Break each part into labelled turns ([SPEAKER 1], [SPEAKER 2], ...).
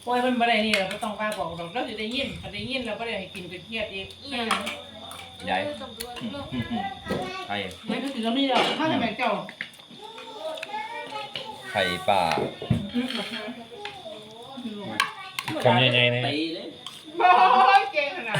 [SPEAKER 1] ปล่อยมันบ่ได้นี่เราก็ต้องกล้าบอกเราจะได้ยินถ้าได้ยินเราก็ได้ให้กินเป็นเครียดอีก
[SPEAKER 2] ใหญ่ไข่
[SPEAKER 1] ไม่ก็สิเราไม่ยอมถ้าจะแบ่งเจ้า
[SPEAKER 2] ไข่ป่า
[SPEAKER 3] คำยังไงเนี่ย
[SPEAKER 2] ตีเลย
[SPEAKER 1] บ่เก่งขนาด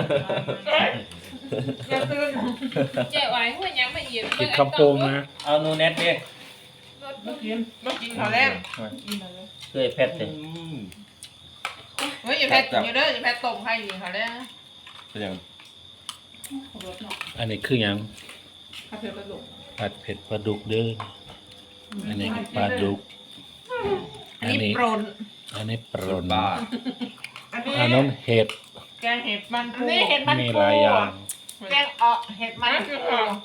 [SPEAKER 1] อย่าตื่น
[SPEAKER 4] เจ๊ไว้หัวยังมาเอียด
[SPEAKER 3] กินคำโปงนะ
[SPEAKER 2] เอานูเน็ตดิ
[SPEAKER 1] มากินข้าวแรงกินมาเลย
[SPEAKER 2] เคยเพชรดิ
[SPEAKER 1] เฮ้ยอย่าแพทอย่าเด้ออย่าแพทต้มให้กินข้าวแรง
[SPEAKER 2] เป็นยัง
[SPEAKER 1] รสเนาะ
[SPEAKER 3] อันนี้คือหยัง
[SPEAKER 1] ข้าวเผ็ดกระดูก
[SPEAKER 3] ผัดเผ็ดปลาดุกเด้ออันนี้ปลาดุก
[SPEAKER 1] อันนี้โปรน
[SPEAKER 3] อันนี้ปรน
[SPEAKER 2] บ้า
[SPEAKER 3] อันนั้นเห็ด
[SPEAKER 1] แกงเห็ดมันปูนี่เห็ดมัน
[SPEAKER 3] มี
[SPEAKER 1] ปู
[SPEAKER 3] หลายอย่าง
[SPEAKER 1] แกงเห็ดมันปู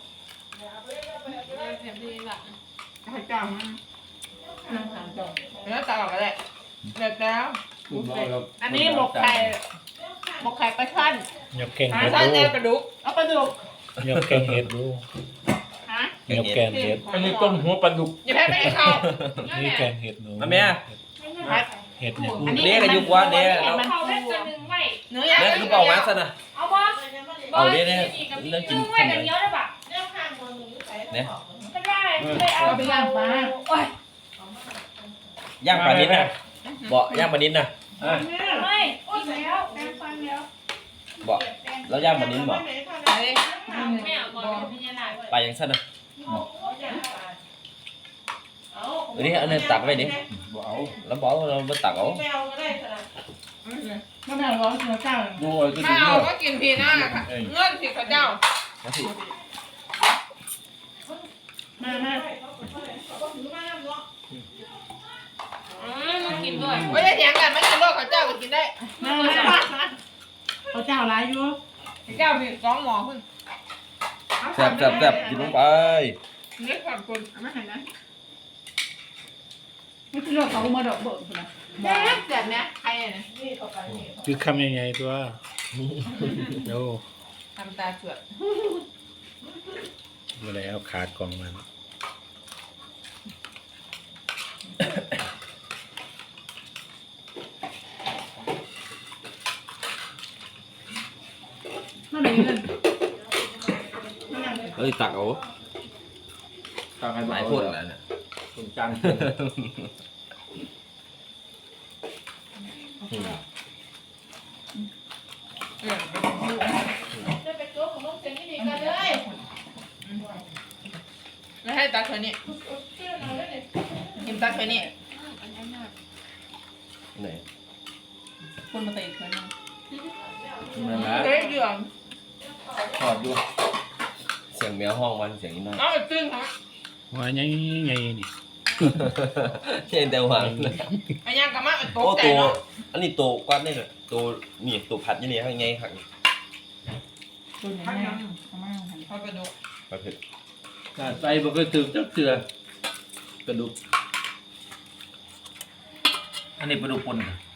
[SPEAKER 4] แถมดีละ
[SPEAKER 1] ข้าวจ้ามันน้ำตาลจ้าแล้วตาออกก็ได้เด็ดแล้วอันนี้หมกไข่ปลาช่อน
[SPEAKER 3] ยกแกง
[SPEAKER 1] ปลา
[SPEAKER 3] เห็ด
[SPEAKER 1] ช่อน
[SPEAKER 3] ดู
[SPEAKER 1] แนวกระดูกเอาปลาดุก
[SPEAKER 3] ยกแกงเห็ดดู
[SPEAKER 1] ฮะ
[SPEAKER 3] ยกแกงเห็ด
[SPEAKER 5] อันนี้ต้มหัวปลาดุก
[SPEAKER 1] อย่าแพ้ไปข้าว
[SPEAKER 3] นี่แกงเห็ดหนู
[SPEAKER 2] มาแม่
[SPEAKER 1] พัด
[SPEAKER 3] เห็ดเนี่ย
[SPEAKER 2] เด้กันยุกว่าเด้เรา
[SPEAKER 4] เขาได้ตัวนึงไว้
[SPEAKER 1] เนื้อย่าง
[SPEAKER 2] เด้คือเปล่ามาซะนะ
[SPEAKER 4] เอาบ่
[SPEAKER 2] เอาเด้เนี่ยเรื่องกิน
[SPEAKER 4] ไว้กันเยอะเลยป่ะ
[SPEAKER 2] เนี่ย
[SPEAKER 4] ก็ได้เลยเอา
[SPEAKER 1] ไปย่างปลา
[SPEAKER 4] โอ้ย
[SPEAKER 2] ย่างปลานิดนะบอกย่างปลานิดนะ
[SPEAKER 4] ไม่กินแล้วแป้งฟันแล้ว
[SPEAKER 2] บอกแล้วย่างปลานิดบอก
[SPEAKER 4] ไม่เอาก่อนพิจารณา
[SPEAKER 2] ปลายังสั้นนะอันนี้อันนี้ตักไว้ดิ
[SPEAKER 5] บ่เอา
[SPEAKER 2] แล้วบอกเราไม่ตักเอา
[SPEAKER 1] ไม่เอาร้อนเนื้อเจ้า
[SPEAKER 5] ดูเอาตัว
[SPEAKER 1] ไม่
[SPEAKER 5] นี้
[SPEAKER 1] เอา
[SPEAKER 5] เนาะ
[SPEAKER 1] ก็กินพีหน้าค่ะเงื่อนสิข้าเจ้า
[SPEAKER 2] มาสิ
[SPEAKER 1] มามา
[SPEAKER 4] มันกินด้วย
[SPEAKER 1] ไม่ได้เถียงกันไม่กินโลกข้าเจ้าก็กินได้มาข้าเจ้าร้ายอยู่ข้าเจ้ามี2 หม้อขึ้น
[SPEAKER 2] แซ่บแซ่บแซ่บกินลงไป
[SPEAKER 1] นี่ขอบคุณไม่เห็นนะไม่กินโลกเขามาดอกเบิกนะแซ่บแบบเนี้ยใครเนี่ย
[SPEAKER 3] คือคำยังไงตัวโอ้
[SPEAKER 1] ทำตาเสือก
[SPEAKER 3] มาแล้วขาดกล่องมัน
[SPEAKER 1] นั่นเองเลย
[SPEAKER 2] เฮ้ยตักเอา
[SPEAKER 5] ตางให้
[SPEAKER 2] ห
[SPEAKER 5] ห
[SPEAKER 2] ลา
[SPEAKER 5] ลาย ย
[SPEAKER 2] ค
[SPEAKER 5] คน น
[SPEAKER 2] แล้วเนี่ย
[SPEAKER 5] ต้มจัน
[SPEAKER 4] จะไปตัวของลูกเซนนี่ดีกันเลย
[SPEAKER 1] ไม่ให้ตักเธอนี่กินตักเธอนี่
[SPEAKER 2] ไหน
[SPEAKER 1] คนมาตีเธอนี่
[SPEAKER 5] นั่นแหละ
[SPEAKER 1] เฮ้ยเดือด
[SPEAKER 5] ทอดดู
[SPEAKER 2] เสียงแมวห้องมันเสียงนี้น้อย
[SPEAKER 1] เอาตึ้งครับ
[SPEAKER 3] ว่าไงไงนี่
[SPEAKER 2] เช่นแต่หวัง
[SPEAKER 1] อันยังกะมาเป็น
[SPEAKER 2] โอ้
[SPEAKER 1] โต๊ะแต่
[SPEAKER 2] ตัว
[SPEAKER 1] เนาะ
[SPEAKER 2] อันนี้ตัวกวาดนี่เลยตัวนี่ตัวผัดยี่นี่ข้างไงครับ
[SPEAKER 1] ตัวไหนแม่เขากระดูก
[SPEAKER 2] ปลาเผ็ด
[SPEAKER 5] ใส่บ่เคยตื่นจักเตือกระดูกอันนี้ปลาดุกป่น